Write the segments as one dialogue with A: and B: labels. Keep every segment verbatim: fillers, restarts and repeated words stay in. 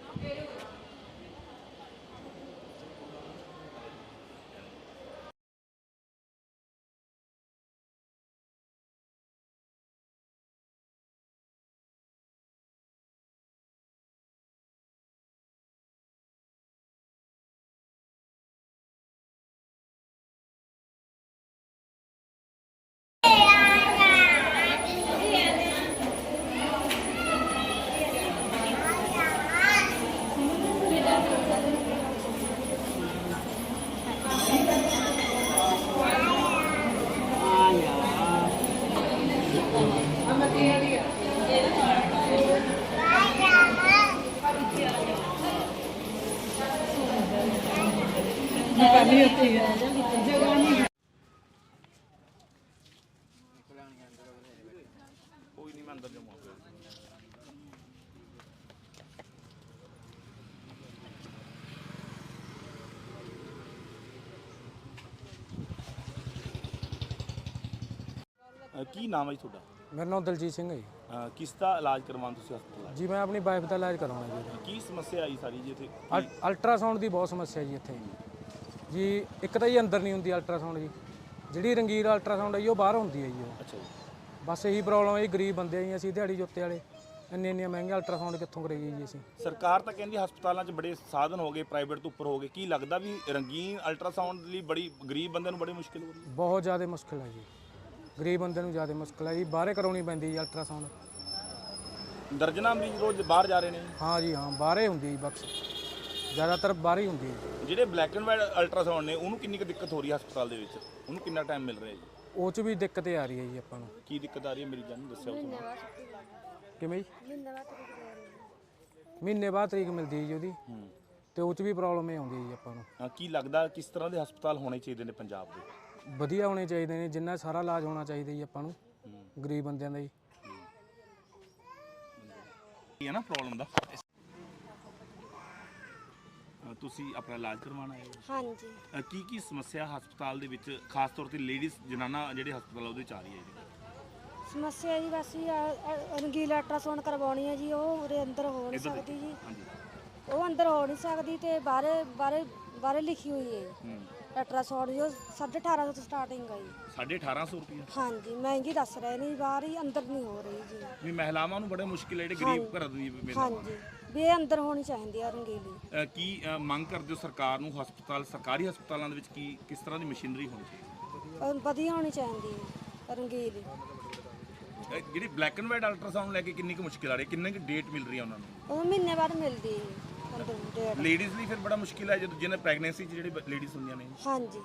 A: करनी होती है कोई नहीं मैं अंदर जाऊंगा। की नाम है ਤੁਹਾਡਾ?
B: मेरा नाम दलजीत सिंह है जी।
A: किस ਦਾ ਇਲਾਜ ਕਰਵਾਉਣ ਤੁਸੀਂ ਹਸਪਤਾਲ?
B: जी मैं अपनी वाइफ का इलाज करवाना जी।
A: ਕੀ ਸਮੱਸਿਆ ਆਈ ਸਾਰੀ ਜੀ ਇੱਥੇ?
B: ਅਲਟਰਾਸਾਊਂਡ ਦੀ ਬਹੁਤ ਸਮੱਸਿਆ ਜੀ ਇੱਥੇ ਜੀ। ਇੱਕ ਤਾਂ ਜੀ ਅੰਦਰ ਨਹੀਂ ਹੁੰਦੀ ਅਲਟਰਾਸਾਊਂਡ ਜੀ, ਜਿਹੜੀ ਰੰਗੀਰ ਅਲਟਰਾਸਾਊਂਡ ਹੈ ਜੀ ਉਹ ਬਾਹਰ ਹੁੰਦੀ ਹੈ ਜੀ ਉਹ।
A: ਅੱਛਾ ਜੀ।
B: ਬਸ ਇਹੀ ਪ੍ਰੋਬਲਮ ਹੈ ਜੀ, ਗਰੀਬ ਬੰਦੇ ਆ ਜੀ ਅਸੀਂ, ਦਿਹਾੜੀ ਜੋਤੇ ਵਾਲੇ, ਇੰਨੇ ਇੰਨੇ ਮਹਿੰਗੇ ਅਲਟਰਾਸਾਊਂਡ ਕਿੱਥੋਂ ਕਰਾਈਏ ਜੀ ਅਸੀਂ।
A: ਸਰਕਾਰ ਤਾਂ ਕਹਿੰਦੀ ਹਸਪਤਾਲਾਂ 'ਚ ਬੜੇ ਸਾਧਨ ਹੋ ਗਏ, ਪ੍ਰਾਈਵੇਟ ਤੋਂ ਉੱਪਰ ਹੋ ਗਏ, ਕੀ ਲੱਗਦਾ ਵੀ ਰੰਗੀਨ ਅਲਟਰਾਸਾਊਂਡ ਲਈ ਬੜੀ ਗਰੀਬ ਬੰਦੇ ਨੂੰ ਬੜੀ ਮੁਸ਼ਕਿਲ ਹੋ ਰਹੀ ਹੈ?
B: ਬਹੁਤ ਜ਼ਿਆਦਾ ਮੁਸ਼ਕਿਲ ਹੈ ਜੀ, ਗਰੀਬ ਬੰਦੇ ਨੂੰ ਜ਼ਿਆਦਾ ਮੁਸ਼ਕਿਲ ਹੈ ਜੀ, ਬਾਹਰੇ ਕਰਾਉਣੀ ਪੈਂਦੀ ਜੀ ਅਲਟਰਾਸਾਊਂਡ।
A: ਦਰਜਨਾਂ ਮਰੀਜ਼ ਰੋਜ਼ ਬਾਹਰ ਜਾ ਰਹੇ ਨੇ?
B: ਹਾਂ ਜੀ ਹਾਂ, ਬਾਹਰੇ ਹੁੰਦੀ ਜੀ, ਬਕਸ ਜ਼ਿਆਦਾਤਰ ਬਾਹਰ ਹੀ ਹੁੰਦੀ ਹੈ।
A: ਜਿਹੜੇ ਬਲੈਕ ਐਂਡ ਵਾਈਟ ਅਲਟਰਾਸਾਊਂਡ ਨੇ ਉਹਨੂੰ ਕਿੰਨੀ ਕੁ ਦਿੱਕਤ ਹੋ ਰਹੀ ਹੈ ਹਸਪਤਾਲ ਦੇ ਵਿੱਚ? ਉਹਨੂੰ ਕਿੰਨਾ ਟਾਈਮ ਮਿਲ ਰਿਹਾ ਜੀ?
B: ਉਹ 'ਚ ਵੀ ਦਿੱਕਤ ਆ ਰਹੀ ਹੈ ਜੀ ਆਪਾਂ ਨੂੰ।
A: ਕੀ ਦਿੱਕਤ ਆ ਰਹੀ ਹੈ ਮਰੀਜ਼ਾਂ ਨੂੰ ਦੱਸਿਓ ਤੁਸੀਂ।
B: ਕਿਵੇਂ ਜੀ? ਮਹੀਨੇ ਬਾਅਦ ਤਰੀਕ ਮਿਲਦੀ ਹੈ ਜੀ ਉਹਦੀ, ਤੇ ਉਹ 'ਚ ਵੀ ਪ੍ਰੋਬਲਮ ਇਹ ਆਉਂਦੀ ਹੈ ਜੀ ਆਪਾਂ ਨੂੰ।
A: ਕੀ ਲੱਗਦਾ ਕਿਸ ਤਰ੍ਹਾਂ ਦੇ ਹਸਪਤਾਲ ਹੋਣੇ ਚਾਹੀਦੇ ਨੇ ਪੰਜਾਬ ਦੇ?
B: ਵਧੀਆ ਹੋਣੇ ਚਾਹੀਦੇ ਨੇ, ਜਿੰਨਾ ਸਾਰਾ ਇਲਾਜ ਹੋਣਾ ਚਾਹੀਦਾ ਜੀ ਆਪਾਂ ਨੂੰ, ਗਰੀਬ ਬੰਦਿਆਂ ਦਾ ਜੀ।
A: ਇਹ ਹੈ ਨਾ ਪ੍ਰੋਬਲਮ ਦਾ। ਤੁਸੀਂ ਆਪਣਾ ਇਲਾਜ ਕਰਵਾਉਣਾ ਹੈ?
C: ਹਾਂਜੀ।
A: ਕੀ ਕੀ ਸਮੱਸਿਆ ਹਸਪਤਾਲ ਦੇ ਵਿੱਚ ਖਾਸ ਤੌਰ ਤੇ ਲੇਡੀਜ਼ ਜਨਾਨਾ ਜਿਹੜੇ ਹਸਪਤਾਲ ਉਹਦੇ ਚ ਆ ਰਹੀ ਹੈ ਜੀ?
C: ਸਮੱਸਿਆ ਜੀ ਬਸ ਜੀ ਰੰਗੀਲਾ ਅਲਟਰਾਸਾਊਂਡ ਕਰਵਾਉਣੀ ਹੈ ਜੀ, ਉਹ ਉਰੇ ਅੰਦਰ ਹੋ ਨਹੀਂ ਸਕਦੀ ਜੀ, ਉਹ ਅੰਦਰ ਹੋ ਨਹੀਂ ਸਕਦੀ ਤੇ ਬਾਹਰੇ ਬਾਹਰੇ ਬਾਹਰੇ ਲਿਖੀ ਹੋਈ ਹੈ ਅਲਟਰਾਸਾਊਂਡ ਜੋ ਸਾਢੇ ਅਠਾਰਾਂ ਸੌ ਤੋਂ ਸਟਾਰਟਿੰਗ ਹੈ ਜੀ।
A: ਸਾਢੇ ਅਠਾਰਾਂ ਸੌ ਰੁਪਏ?
C: ਹਾਂਜੀ, ਮਹਿੰਗੀ ਦੱਸ ਰਹੇ ਨੇ, ਬਾਹਰ ਹੀ ਅੰਦਰ ਨਹੀਂ ਹੋ ਰਹੀ ਜੀ।
A: ਵੀ ਮਹਿਲਾਵਾਂ ਨੂੰ ਬੜੇ ਮੁਸ਼ਕਿਲ ਹੈ ਜਿਹੜੇ ਗਰੀਬ ਘਰਾਂ ਦੀ?
C: ਹਾਂਜੀ, ਵੀ ਇਹ ਅੰਦਰ ਹੋਣੀ ਚਾਹੀਦੀ ਆ ਰੰਗੀਲੀ।
A: ਕੀ ਮੰਗ ਕਰਦੇ ਹੋ ਸਰਕਾਰ ਨੂੰ? ਹਸਪਤਾਲ ਸਰਕਾਰੀ ਹਸਪਤਾਲਾਂ ਦੇ ਵਿੱਚ ਕੀ ਕਿਸ ਤਰ੍ਹਾਂ ਦੀ ਮਸ਼ੀਨਰੀ ਹੋਣੀ ਚਾਹੀਦੀ?
C: ਵਧੀਆ ਹੋਣੀ ਚਾਹੀਦੀ ਹੈ ਰੰਗੀਲੀ।
A: ਜਿਹੜੀ ਬਲੈਕ ਐਂਡ ਵਾਈਟ ਅਲਟਰਾਸਾਊਂਡ ਲੈ ਕੇ ਕਿੰਨੀ ਕੁ ਮੁਸ਼ਕਿਲ ਆ ਰਹੀ ਹੈ, ਕਿੰਨੀ ਕੁ ਡੇਟ ਮਿਲ ਰਹੀ ਹੈ ਉਹਨਾਂ ਨੂੰ?
C: ਉਹ ਮਹੀਨੇ ਬਾਅਦ ਮਿਲਦੀ ਹੈ ਅੰਦਰ ਡੇਟ।
A: ਲੇਡੀਜ਼ ਲਈ ਫਿਰ ਬੜਾ ਮੁਸ਼ਕਿਲ ਹੈ ਜਦੋਂ ਜਿਹਨੇ ਪ੍ਰੈਗਨੈਂਸੀ 'ਚ ਜਿਹੜੇ ਲੇਡੀਜ਼ ਹੁੰਦੀਆਂ ਨੇ?
C: ਹਾਂਜੀ।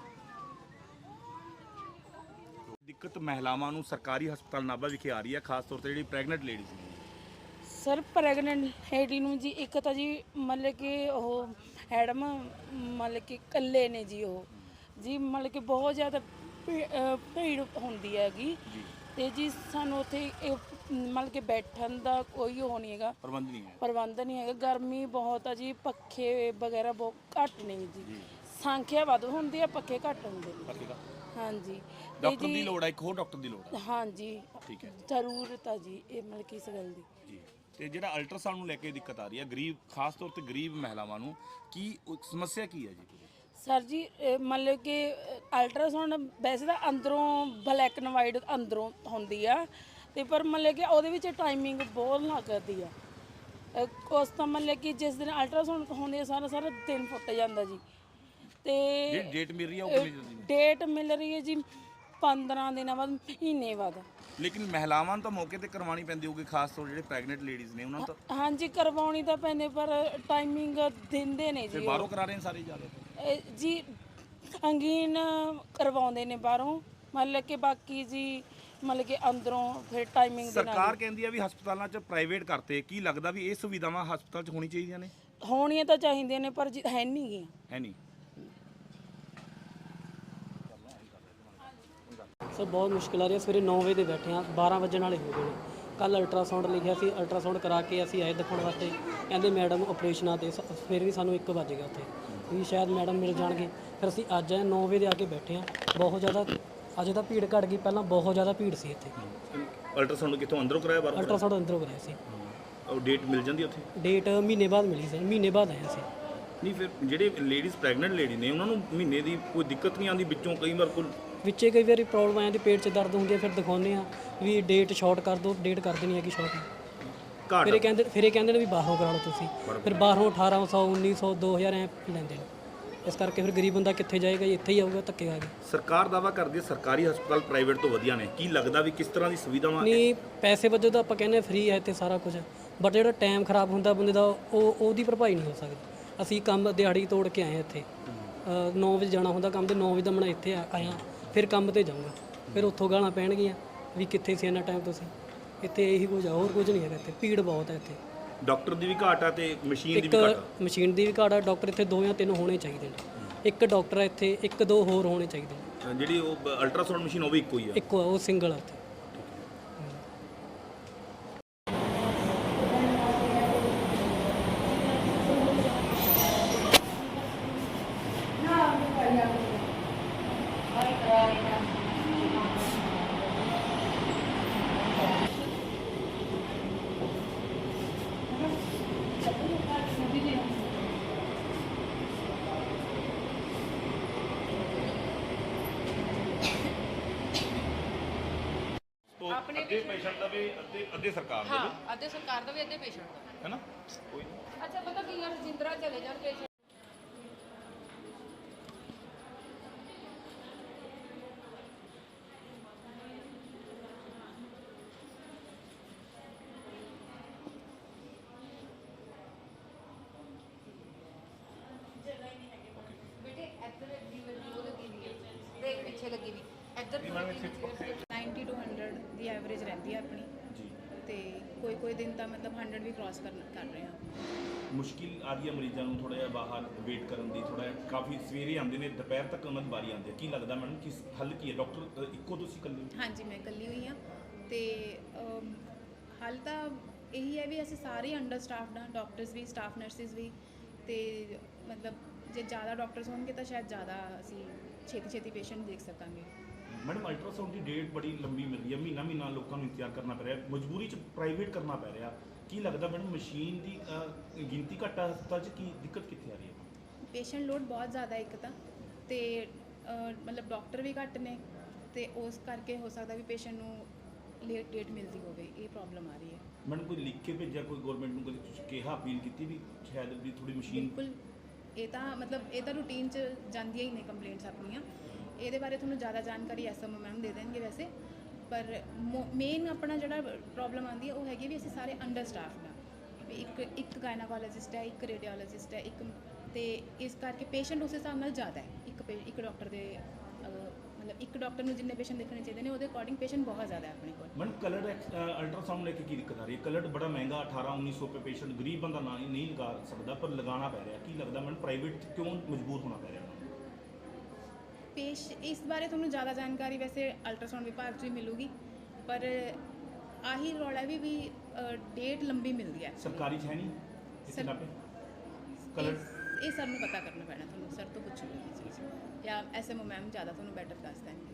A: ਦਿੱਕਤ ਮਹਿਲਾਵਾਂ ਨੂੰ ਸਰਕਾਰੀ ਹਸਪਤਾਲ ਨਾਭਾ ਵਿਖੇ ਆ ਰਹੀ ਹੈ, ਖਾਸ ਤੌਰ ਤੇ ਜਿਹੜੀ ਪ੍ਰੈਗਨੈਂਟ ਲੇਡੀਜ਼ ਨੇ।
D: ਸਰ ਪ੍ਰੈਗਨੈਂਟ ਲੇਡੀ ਨੂੰ ਜੀ ਇੱਕ ਤਾਂ ਜੀ ਮਤਲਬ ਕਿ ਉਹ ਐਡਮ ਮਤਲਬ ਕਿ ਇਕੱਲੇ ਨੇ ਜੀ, ਉਹ ਜੀ ਮਤਲਬ ਕਿ ਬਹੁਤ ਜ਼ਿਆਦਾ ਭੀੜ ਹੁੰਦੀ ਹੈਗੀ ਤੇ ਜੀ ਸਾਨੂੰ ਉੱਥੇ ਮਤਲਬ ਕਿ ਬੈਠਣ ਦਾ ਕੋਈ ਉਹ ਨਹੀਂ ਹੈਗਾ,
A: ਪ੍ਰਬੰਧ ਨਹੀਂ ਹੈ
D: ਪ੍ਰਬੰਧ ਨਹੀਂ ਹੈਗਾ। ਗਰਮੀ ਬਹੁਤ ਆ ਜੀ, ਪੱਖੇ ਵਗੈਰਾ ਬਹੁਤ ਘੱਟ ਨੇ ਜੀ, ਸੰਖਿਆ ਵੱਧ ਹੁੰਦੀ ਹੈ, ਪੱਖੇ ਘੱਟ ਹੁੰਦੇ ਨੇ। ਹਾਂਜੀ,
A: ਡਾਕਟਰ ਦੀ ਲੋੜ ਹੈ, ਇੱਕ ਹੋਰ ਡਾਕਟਰ ਦੀ ਲੋੜ ਹੈ।
D: ਹਾਂਜੀ
A: ਠੀਕ ਹੈ,
D: ਜ਼ਰੂਰਤ ਆ ਜੀ ਇਹ ਮਤਲਬ ਕਿ ਇਸ ਗੱਲ ਦੀ
A: ਜੀ। ਤੇ ਜਿਹੜਾ ਅਲਟਰਾਸਾਊਂਡ ਨੂੰ ਲੈ ਕੇ ਦਿੱਕਤ ਆ ਰਹੀ ਹੈ ਗਰੀਬ, ਖਾਸ ਤੌਰ ਤੇ ਗਰੀਬ ਮਹਿਲਾਵਾਂ ਨੂੰ, ਕੀ ਸਮੱਸਿਆ ਕੀ ਹੈ ਜੀ?
D: ਸਰ ਜੀ ਮਤਲਬ ਕਿ ਅਲਟਰਾਸਾਊਂਡ ਵੈਸੇ ਤਾਂ ਅੰਦਰੋਂ ਬਲੈਕ ਐਂਡ ਵਾਈਟ ਅੰਦਰੋਂ ਹੁੰਦੀ ਆ, ਤੇ ਪਰ ਮਤਲਬ ਕਿ ਉਹਦੇ ਵਿੱਚ ਟਾਈਮਿੰਗ ਬਹੁਤ ਲੱਗਦੀ ਆ। ਉਸ ਤਾਂ ਮਤਲਬ ਕਿ ਜਿਸ ਦਿਨ ਅਲਟਰਾਸਾਊਂਡ ਹੁੰਦੀ ਆ ਸਾਰਾ ਸਾਰਾ ਦਿਨ ਫੁੱਟ ਜਾਂਦਾ ਜੀ। ਤੇ
A: ਜਿਹੜੀ ਡੇਟ ਮਿਲ ਰਹੀ ਹੈ ਉਹ ਕਿੰਨੀ ਜਲਦੀ?
D: ਡੇਟ ਮਿਲ ਰਹੀ ਹੈ ਜੀ ਪੰਦਰਾਂ ਦਿਨਾਂ ਬਾਅਦ, ਮਹੀਨੇ ਬਾਅਦ।
A: ਲੇਕਿਨ ਮਹਿਲਾਵਾਂ ਨੂੰ ਤਾਂ ਮੌਕੇ ਤੇ ਕਰਵਾਉਣੀ ਪੈਂਦੀ ਹੋਊਗੀ, ਖਾਸ ਤੌਰ ਜਿਹੜੇ ਪ੍ਰੈਗਨੈਂਟ ਲੇਡੀਜ਼ ਨੇ ਉਹਨਾਂ ਨੂੰ ਤਾਂ?
D: ਹਾਂਜੀ ਕਰਵਾਉਣੀ ਤਾਂ ਪੈਂਦੀ, ਪਰ ਟਾਈਮਿੰਗ ਦਿੰਦੇ ਨੇ ਜੀ।
A: ਬਾਹਰੋਂ ਕਰਾ ਰਹੇ ਨੇ ਸਾਰੇ ਜ਼ਿਆਦਾ
D: ਜੀ, ਅੰਗੀਨ ਕਰਵਾਉਂਦੇ ਨੇ ਬਾਹਰੋਂ, ਮਤਲਬ ਕਿ ਬਾਕੀ ਜੀ ਮਤਲਬ ਕਿ ਅੰਦਰੋਂ ਫਿਰ ਟਾਈਮਿੰਗ ਦੇ ਨਾਲ।
A: ਸਰਕਾਰ ਕਹਿੰਦੀ ਆ ਵੀ ਹਸਪਤਾਲਾਂ 'ਚ ਪ੍ਰਾਈਵੇਟ ਕਰਤੇ, ਕੀ ਲੱਗਦਾ ਵੀ ਇਹ ਸੁਵਿਧਾਵਾਂ ਹਸਪਤਾਲ 'ਚ ਹੋਣੀ ਚਾਹੀਦੀਆਂ ਨੇ?
D: ਹੋਣੀਆਂ ਤਾਂ ਚਾਹੀਦੀਆਂ ਨੇ, ਪਰ ਹੈ ਨਹੀਂ ਗੀਆਂ।
A: ਹੈ ਨਹੀਂ।
E: ਸਰ ਬਹੁਤ ਮੁਸ਼ਕਿਲ ਆ ਰਹੀ ਹੈ। ਸਵੇਰੇ ਨੌ ਵਜੇ ਦੇ ਬੈਠੇ ਹਾਂ, ਬਾਰਾਂ ਵਜਣ ਵਾਲੇ ਹੋ ਗਏ ਨੇ। ਕੱਲ ਅਲਟਰਾਸਾਊਂਡ ਲਿਖਿਆ ਸੀ, ਅਲਟਰਾਸਾਊਂਡ ਕਰਾ ਕੇ ਅਸੀਂ ਆਏ ਦਿਖਾਉਣ ਵਾਸਤੇ, ਕਹਿੰਦੇ ਮੈਡਮ ਆਪਰੇਸ਼ਨ ਆ, ਤੇ ਫਿਰ ਵੀ ਸਾਨੂੰ ਇੱਕ ਵੱਜ ਗਿਆ ਉੱਥੇ ਵੀ ਸ਼ਾਇਦ ਮੈਡਮ ਮਿਲ ਜਾਣਗੇ। ਫਿਰ ਅਸੀਂ ਅੱਜ ਆਏ ਨੌ ਵਜੇ ਦੇ ਆ ਕੇ ਬੈਠੇ ਹਾਂ। ਬਹੁਤ ਜ਼ਿਆਦਾ ਅੱਜ ਤਾਂ ਭੀੜ ਘੱਟ ਗਈ, ਪਹਿਲਾਂ ਬਹੁਤ ਜ਼ਿਆਦਾ ਭੀੜ ਸੀ ਇੱਥੇ।
A: ਅਲਟਰਾਸਾਊਂਡ ਕਿੱਥੋਂ ਅੰਦਰੋਂ ਕਰਾਇਆ ਬਾਹਰੋਂ?
E: ਅਲਟਰਾਸਾਊਂਡ ਅੰਦਰੋਂ ਕਰਾਇਆ ਸੀ।
A: ਉਹ ਡੇਟ ਮਿਲ ਜਾਂਦੀ ਉੱਥੇ?
E: ਡੇਟ ਮਹੀਨੇ ਬਾਅਦ ਮਿਲੀ ਸਰ, ਮਹੀਨੇ ਬਾਅਦ ਆਇਆ ਸੀ।
A: ਨਹੀਂ ਫਿਰ ਜਿਹੜੇ ਲੇਡੀਜ਼ ਪ੍ਰੈਗਨੈਂਟ ਲੇਡੀ ਨੇ ਉਹਨਾਂ ਨੂੰ ਮਹੀਨੇ ਦੀ ਕੋਈ ਦਿੱਕਤ ਨਹੀਂ ਆਉਂਦੀ ਵਿੱਚੋਂ ਕਈ ਵਾਰ ਕੋਈ
E: ਵਿੱਚੇ ਕਈ ਵਾਰੀ ਪ੍ਰੋਬਲਮ ਆ ਜਾਂਦੀ, ਪੇਟ 'ਚ ਦਰਦ ਹੁੰਦੀ ਹੈ, ਫਿਰ ਦਿਖਾਉਂਦੇ ਆ ਵੀ ਡੇਟ ਸ਼ਾਰਟ ਕਰ ਦਿਓ, ਡੇਟ ਕਰ ਦੇਣੀ ਹੈਗੀ ਸ਼ਾਰਟ।
A: ਘਾਟ
E: ਫਿਰ ਇਹ ਕਹਿੰਦੇ ਫਿਰ ਇਹ ਕਹਿੰਦੇ ਨੇ ਵੀ ਬਾਹਰੋਂ ਕਰਾ ਲਓ ਤੁਸੀਂ, ਫਿਰ ਬਾਹਰੋਂ ਅਠਾਰਾਂ ਸੌ ਉੱਨੀ ਸੌ ਦੋ ਹਜ਼ਾਰ ਐ ਲੈਂਦੇ ਨੇ। ਇਸ ਕਰਕੇ ਫਿਰ ਗਰੀਬ ਬੰਦਾ ਕਿੱਥੇ ਜਾਏਗਾ ਜੀ, ਇੱਥੇ ਹੀ ਆਊਗਾ ਧੱਕੇ ਖਾ ਕੇ।
A: ਸਰਕਾਰ ਦਾਵਾ ਕਰਦੀ ਹੈ ਸਰਕਾਰੀ ਹਸਪਤਾਲ ਪ੍ਰਾਈਵੇਟ ਤੋਂ ਵਧੀਆ ਨੇ, ਕੀ ਲੱਗਦਾ ਵੀ ਕਿਸ ਤਰ੍ਹਾਂ ਦੀ ਸੁਵਿਧਾਵਾਂ?
E: ਨਹੀਂ, ਪੈਸੇ ਵਜੋਂ ਤਾਂ ਆਪਾਂ ਕਹਿੰਦੇ ਫ੍ਰੀ ਹੈ ਇੱਥੇ ਸਾਰਾ ਕੁਝ, ਬਟ ਜਿਹੜਾ ਟਾਈਮ ਖਰਾਬ ਹੁੰਦਾ ਬੰਦੇ ਦਾ ਉਹ ਉਹਦੀ ਭਰਪਾਈ ਨਹੀਂ ਹੋ ਸਕਦੀ। ਅਸੀਂ ਕੰਮ ਦਿਹਾੜੀ ਤੋੜ ਕੇ ਆਏ ਇੱਥੇ, ਨੌ ਵਜੇ ਜਾਣਾ ਹੁੰਦਾ ਕੰਮ ਤੇ, ਨੌ ਵਜੇ ਦਾ ਮੈਂ ਇੱਥੇ ਆ- ਆਇਆ ਫਿਰ ਕੰਮ ਤੇ ਜਾਊਂਗਾ, ਫਿਰ ਉੱਥੋਂ ਗਾਲਾਂ ਪੈਣਗੀਆਂ ਵੀ ਕਿੱਥੇ ਸੀ ਇੰਨਾ ਟਾਈਮ ਤੁਸੀਂ। ਇੱਥੇ ਇਹੀ ਕੁਝ ਆ, ਹੋਰ ਕੁਝ ਨਹੀਂ ਹੈਗਾ ਇੱਥੇ, ਭੀੜ ਬਹੁਤ ਹੈ ਇੱਥੇ।
A: ਡਾਕਟਰ ਦੀ ਵੀ ਘਾਟ ਆ ਤੇ ਮਸ਼ੀਨ ਦੀ
E: ਇੱਕ
A: ਵੀ ਘਾਟ ਆ।
E: ਮਸ਼ੀਨ ਦੀ ਵੀ ਘਾਟ ਆ, ਡਾਕਟਰ ਇੱਥੇ ਦੋ ਜਾਂ ਤਿੰਨ ਹੋਣੇ ਚਾਹੀਦੇ ਨੇ। ਇੱਕ ਡਾਕਟਰ ਹੈ ਇੱਥੇ, ਇੱਕ ਦੋ ਹੋਰ ਹੋਣੇ ਚਾਹੀਦੇ ਨੇ।
A: ਜਿਹੜੀ ਉਹ ਅਲਟਰਾਸਾਊਂਡ ਮਸ਼ੀਨ ਉਹ ਵੀ ਇੱਕੋ ਹੀ ਆ?
E: ਇੱਕੋ ਆ, ਉਹ ਸਿੰਗਲ ਆ ਇੱਥੇ।
A: ਆਪਣੇ ਅੱਧੇ ਪੇਸ਼ੈਂਟ ਦਾ ਵੀ ਅੱਧੇ ਅੱਧੇ ਸਰਕਾਰ ਦਾ
F: ਹਾਂ ਅੱਧੇ ਸਰਕਾਰ ਦਾ ਵੀ ਅੱਧੇ ਪੇਸ਼ੈਂਟ ਦਾ
A: ਹੈ ਨਾ? ਕੋਈ ਨਹੀਂ।
F: ਅੱਛਾ ਪਤਾ ਕੀ ਯਾਰ ਜਿੰਦਰਾ ਚਲੇ ਜਾਣ ਪੇਸ਼ੈਂਟ ਬੇਟੇ ਇੱਧਰ ਦੀ ਉਹ ਲੱਗੀ ਵੀ ਹੈ ਦੇਖ ਪਿੱਛੇ ਲੱਗੀ ਵੀ ਇੱਧਰ
G: ਨਾਈਨਟੀ ਟੂ ਹੰਡਰਡ ਦੀ ਐਵਰੇਜ ਰਹਿੰਦੀ ਹੈ ਆਪਣੀ
A: ਜੀ।
G: ਤੇ ਕੋਈ ਕੋਈ ਦਿਨ ਤਾਂ ਮਤਲਬ ਹੰਡਰਡ ਵੀ ਕ੍ਰਾਸ ਕਰ ਕਰ ਰਹੇ ਹਾਂ।
A: ਮੁਸ਼ਕਿਲ ਆਦੀ ਹੈ ਮਰੀਜ਼ਾਂ ਨੂੰ ਥੋੜਾ ਜਿਹਾ ਬਾਹਰ ਵੇਟ ਕਰਨ ਦੀ, ਥੋੜਾ ਜਿਹਾ ਕਾਫੀ ਸਵੇਰੇ ਆਉਂਦੇ ਨੇ ਦੁਪਹਿਰ ਤੱਕ ਉਹਨਾਂ ਦੀ ਵਾਰੀ ਆਉਂਦੀ ਹੈ। ਕੀ ਲੱਗਦਾ ਮੈਡਮ ਕਿਸ ਹੱਲ ਕੀ ਹੈ? ਡਾਕਟਰ ਇੱਕੋ ਤੁਸੀਂ ਇਕੱਲੇ ਹੋ?
G: ਹਾਂਜੀ ਮੈਂ ਇਕੱਲੀ ਹੋਈ ਹਾਂ ਤੇ ਅਮ, ਹੱਲ ਤਾਂ ਇਹੀ ਹੈ ਵੀ ਅਸੀਂ ਸਾਰੇ ਅੰਡਰ ਸਟਾਫਡ ਹਾਂ, ਡਾਕਟਰਸ ਵੀ, ਸਟਾਫ ਨਰਸਿਸ ਵੀ। ਤੇ ਮਤਲਬ ਜੇ ਜ਼ਿਆਦਾ ਡਾਕਟਰਸ ਹੋਣਗੇ ਤਾਂ ਸ਼ਾਇਦ ਜ਼ਿਆਦਾ ਅਸੀਂ ਛੇਤੀ ਛੇਤੀ ਪੇਸ਼ੈਂਟ ਦੇਖ ਸਕਾਂਗੇ।
A: ਮੈਡਮ ਅਲਟਰਾਸਾਊਂਡ ਦੀ ਡੇਟ ਬੜੀ ਲੰਬੀ ਮਿਲਦੀ ਹੈ, ਮਹੀਨਾ ਮਹੀਨਾ ਲੋਕਾਂ ਨੂੰ ਇੰਤਜ਼ਾਰ ਕਰਨਾ ਪੈ ਰਿਹਾ, ਮਜਬੂਰੀ 'ਚ ਪ੍ਰਾਈਵੇਟ ਕਰਨਾ ਪੈ ਰਿਹਾ। ਕੀ ਲੱਗਦਾ ਮੈਡਮ ਮਸ਼ੀਨ ਦੀ ਅ, ਗਿਣਤੀ ਘੱਟ ਆ ਹਸਪਤਾਲ 'ਚ, ਕੀ ਦਿੱਕਤ ਕਿੱਥੇ ਆ ਰਹੀ ਹੈ?
G: ਪੇਸ਼ੈਂਟ ਲੋਡ ਬਹੁਤ ਜ਼ਿਆਦਾ ਇੱਕ ਤਾਂ ਤੇ ਅ, ਮਤਲਬ ਡਾਕਟਰ ਵੀ ਘੱਟ ਨੇ ਤੇ ਉਸ ਕਰਕੇ ਹੋ ਸਕਦਾ ਵੀ ਪੇਸ਼ੈਂਟ ਨੂੰ ਲੇਟ ਡੇਟ ਮਿਲਦੀ ਹੋਵੇ, ਇਹ ਪ੍ਰੋਬਲਮ ਆ ਰਹੀ ਹੈ।
A: ਮੈਡਮ ਕੋਈ ਲਿਖ ਕੇ ਭੇਜਿਆ, ਕੋਈ ਗਵਰਨਮੈਂਟ ਨੂੰ ਕੋਈ ਕਿਹਾ, ਅਪੀਲ ਕੀਤੀ ਵੀ ਸ਼ਾਇਦ ਵੀ ਥੋੜੀ ਮਸ਼ੀਨ?
G: ਬਿਲਕੁਲ, ਇਹ ਤਾਂ ਮਤਲਬ ਇਹ ਤਾਂ ਰੂਟੀਨ 'ਚ ਜਾਂਦੀਆਂ ਹੀ ਨੇ ਕੰਪਲੇਂਟਸ ਆਪਣੀਆਂ। ਇਹਦੇ ਬਾਰੇ ਤੁਹਾਨੂੰ ਜ਼ਿਆਦਾ ਜਾਣਕਾਰੀ ਐਸਐਮਓ ਮੈਮ ਦੇ ਦੇਣਗੇ ਵੈਸੇ, ਪਰ ਮੇਨ ਆਪਣਾ ਜਿਹੜਾ ਪ੍ਰੋਬਲਮ ਆਉਂਦੀ ਹੈ ਉਹ ਹੈਗੀ ਵੀ ਅਸੀਂ ਸਾਰੇ ਅੰਡਰ ਸਟਾਫਡ ਹਾਂ ਵੀ ਇੱਕ ਇੱਕ ਗਾਇਨਾਕੋਲੋਜਿਸਟ ਹੈ, ਇੱਕ ਰੇਡੀਓਲੋਜਿਸਟ ਹੈ, ਇੱਕ ਤੇ ਇਸ ਕਰਕੇ ਪੇਸ਼ੈਂਟ ਉਸ ਹਿਸਾਬ ਨਾਲ ਜ਼ਿਆਦਾ ਹੈ। ਇੱਕ ਪੇ- ਇੱਕ ਡਾਕਟਰ ਦੇ ਅਹ, ਮਤਲਬ ਇੱਕ ਡਾਕਟਰ ਨੂੰ ਜਿੰਨੇ ਪੇਸ਼ੈਂਟ ਦੇਖਣੇ ਚਾਹੀਦੇ ਨੇ ਉਹਦੇ ਅਕੋਰਡਿੰਗ ਪੇਸ਼ੈਂਟ ਬਹੁਤ ਜ਼ਿਆਦਾ ਹੈ ਆਪਣੇ ਕੋਲ।
A: ਮੈਡਮ ਕਲਰਡ ਅਲਟਰਾਸਾਊਂਡ ਲੈ ਕੇ ਕੀ ਦਿੱਕਤ ਆ ਰਹੀ ਹੈ? ਕਲਰਡ ਬੜਾ ਮਹਿੰਗਾ, ਅਠਾਰਾਂ ਉੱਨੀ ਸੌ ਰੁਪਏ ਪੇਸ਼ੈਂਟ ਗਰੀਬ ਬੰਦਾ ਨਾ ਨਹੀਂ ਲਗਾ ਸਕਦਾ, ਪਰ ਲਗਾਉਣਾ ਪੈ ਰਿਹਾ। ਕੀ ਲੱਗਦਾ ਮੈਡਮ ਪ੍ਰਾਈਵੇਟ ਕਿਉਂ ਮਜਬੂਰ ਹੋਣਾ ਪੈ ਰਿਹਾ?
G: ਪੇਸ਼ ਇਸ ਬਾਰੇ ਤੁਹਾਨੂੰ ਜ਼ਿਆਦਾ ਜਾਣਕਾਰੀ ਵੈਸੇ ਅਲਟਰਾਸਾਊਂਡ ਵਿਭਾਗ 'ਚ ਹੀ ਮਿਲੂਗੀ, ਪਰ ਆਹੀ ਰੌਲਾ ਵੀ ਵੀ ਡੇਟ ਲੰਬੀ ਮਿਲਦੀ ਹੈ।
A: ਸਰਕਾਰੀ 'ਚ ਹੈ ਨਹੀਂ ਇੱਥੇ
G: ਸਰ-
A: ਨਾ ਪੇ ਕਲਰ?
G: ਇਹ- ਇਹ ਸਰ ਨੂੰ ਪਤਾ ਕਰਨਾ ਪੈਣਾ, ਤੁਹਾਨੂੰ ਸਰ ਤੋਂ ਪੁੱਛੂਗੀ ਇਹ ਚੀਜ਼, ਜਾਂ ਐਸਐਮਓ ਮੈਮ ਜ਼ਿਆਦਾ ਤੁਹਾਨੂੰ ਬੈਟਰ ਦੱਸ ਦੇਣਗੇ।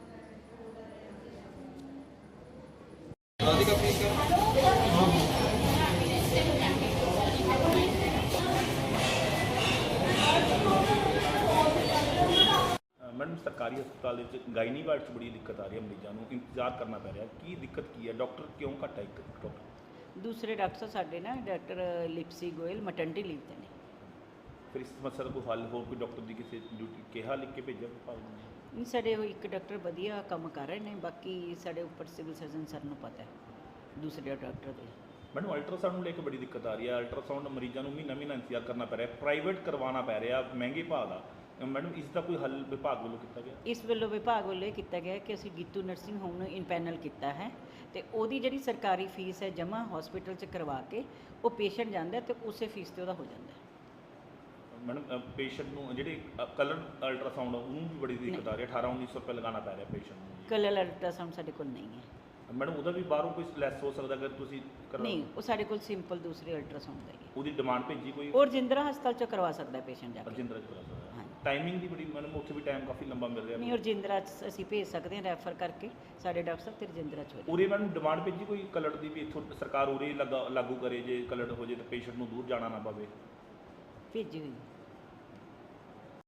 A: ਮੈਡਮ ਸਰਕਾਰੀ ਹਸਪਤਾਲ ਦੇ ਵਿੱਚ ਗਾਇਨੀ ਵਾਰਡ 'ਚ ਬੜੀ ਦਿੱਕਤ ਆ ਰਹੀ ਹੈ, ਮਰੀਜ਼ਾਂ ਨੂੰ ਇੰਤਜ਼ਾਰ ਕਰਨਾ ਪੈ ਰਿਹਾ। ਕੀ ਦਿੱਕਤ ਕੀ ਹੈ? ਡਾਕਟਰ ਕਿਉਂ ਘੱਟ ਹੈ? ਇੱਕ ਡਾਕਟਰ
H: ਦੂਸਰੇ ਡਾਕਟਰ ਸਾਡੇ ਨਾ doctor Lipsy Goyal maternity leave ਤੇ ਨੇ।
A: ਫਿਰ ਇਸ ਸਮੱਸਿਆ ਦਾ ਕੋਈ ਹੱਲ, ਹੋਰ ਕੋਈ ਡਾਕਟਰ ਦੀ ਕਿਸੇ ਡਿਊਟੀ ਕਿਹਾ ਲਿਖ ਕੇ ਭੇਜਿਆ ਵਿਭਾਗ ਨੂੰ?
H: ਨਹੀਂ, ਸਾਡੇ ਉਹ ਇੱਕ ਡਾਕਟਰ ਵਧੀਆ ਕੰਮ ਕਰ ਰਹੇ ਨੇ, ਬਾਕੀ ਸਾਡੇ ਉੱਪਰ ਸਿਵਲ ਸਰਜਨ ਸਰ ਨੂੰ ਪਤਾ ਹੈ ਦੂਸਰੇ ਡਾਕਟਰ ਦੇ।
A: ਮੈਨੂੰ ਅਲਟਰਾਸਾਊਂਡ ਨੂੰ ਲੈ ਕੇ ਬੜੀ ਦਿੱਕਤ ਆ ਰਹੀ ਹੈ। ਅਲਟਰਾਸਾਊਂਡ ਮਰੀਜ਼ਾਂ ਨੂੰ ਮਹੀਨਾ ਮਹੀਨਾ ਇੰਤਜ਼ਾਰ ਕਰਨਾ ਪੈ ਰਿਹਾ, ਪ੍ਰਾਈਵੇਟ ਕਰਵਾਉਣਾ ਪੈ ਰਿਹਾ ਮਹਿੰਗੇ ਭਾਅ ਦਾ। ਮੈਡਮ ਇਸ ਦਾ ਕੋਈ ਹੱਲ ਵਿਭਾਗ ਵੱਲੋਂ ਕੀਤਾ ਗਿਆ?
H: ਇਸ ਵੱਲੋਂ ਵਿਭਾਗ ਵੱਲੋਂ ਇਹ ਕੀਤਾ ਗਿਆ ਕਿ ਅਸੀਂ ਗੀਤੂ ਨਰਸਿੰਗ ਹੋਮ ਨੂੰ ਇਨਪੈਨਲ ਕੀਤਾ ਹੈ ਤੇ ਉਹਦੀ ਜਿਹੜੀ ਸਰਕਾਰੀ ਫੀਸ ਹੈ ਜਮ੍ਹਾਂ ਹਸਪੀਟਲ 'ਚ ਕਰਵਾ ਕੇ ਉਹ ਪੇਸ਼ੈਂਟ ਜਾਂਦਾ ਤੇ ਉਸੇ ਫੀਸ ਤੇ ਉਹਦਾ ਹੋ ਜਾਂਦਾ ਹੈ।
A: ਮੈਡਮ ਪੇਸ਼ੈਂਟ ਨੂੰ ਜਿਹੜੇ ਕਲਰ ਅਲਟਰਾਸਾਊਂਡ ਉਹਨੂੰ ਵੀ ਬੜੀ ਦਿੱਕਤ ਆ ਰਹੀ ਹੈ, ਅਠਾਰਾਂ ਉੱਨੀ ਸੌ ਰੁਪਏ ਲਗਾਉਣਾ ਪੈ ਰਿਹਾ ਪੇਸ਼ੈਂਟ ਨੂੰ।
H: ਕਲਰ ਅਲਟਰਾਸਾਊਂਡ ਸਾਡੇ ਕੋਲ ਨਹੀਂ ਹੈ
A: ਮੈਡਮ ਉਹਦਾ ਵੀ ਬਾਹਰੋਂ ਕੋਈ ਲੈਸ ਹੋ ਸਕਦਾ ਅਗਰ ਤੁਸੀਂ ਕਰਵਾ?
H: ਨਹੀਂ, ਉਹ ਸਾਡੇ ਕੋਲ ਸਿੰਪਲ ਦੂਸਰੇ ਅਲਟਰਾਸਾਊਂਡ ਦਾ ਹੀ ਹੈ।
A: ਉਹਦੀ ਡਿਮਾਂਡ ਭੇਜੀ ਕੋਈ?
H: ਉਹ ਰਜਿੰਦਰਾ ਹਸਪਤਾਲ 'ਚ ਕਰਵਾ ਸਕਦਾ ਪੇਸ਼ੈਂਟ ਜਾ ਕੇ।
A: ਰਜਿੰਦਰਾ ਚ ਕਰਾ ਸਕਦਾ?
H: ਹਾਂਜੀ।
A: ਟਾਈਮਿੰਗ ਦੀ ਬੜੀ ਮੈਡਮ ਉੱਥੇ ਵੀ ਟਾਈਮ ਕਾਫੀ ਲੰਬਾ ਮਿਲ ਰਿਹਾ
H: ਨਹੀਂ ਰਜਿੰਦਰਾ 'ਚ ਅਸੀਂ ਭੇਜ ਸਕਦੇ ਹਾਂ ਰੈਫਰ ਕਰਕੇ ਸਾਡੇ ਡਾਕਟਰ ਸਾਹਿਬ ਤੇ ਰਜਿੰਦਰਾ 'ਚ ਹੋ ਜਾਏ।
A: ਉਰੇ ਮੈਡਮ ਡਿਮਾਂਡ ਭੇਜੀ ਕੋਈ ਕਲਰ ਦੀ ਵੀ ਇੱਥੋਂ ਸਰਕਾਰ ਉਰੇ ਲਗਾ ਲਾਗੂ ਕਰੇ ਜੇ ਕਲਰ ਹੋ ਜੇ ਤਾਂ ਪੇਸ਼ੈਂਟ ਨੂੰ ਦੂਰ ਜਾਣਾ ਨਾ ਪਵੇ।
H: ਭੇਜੀ ਹੋਈ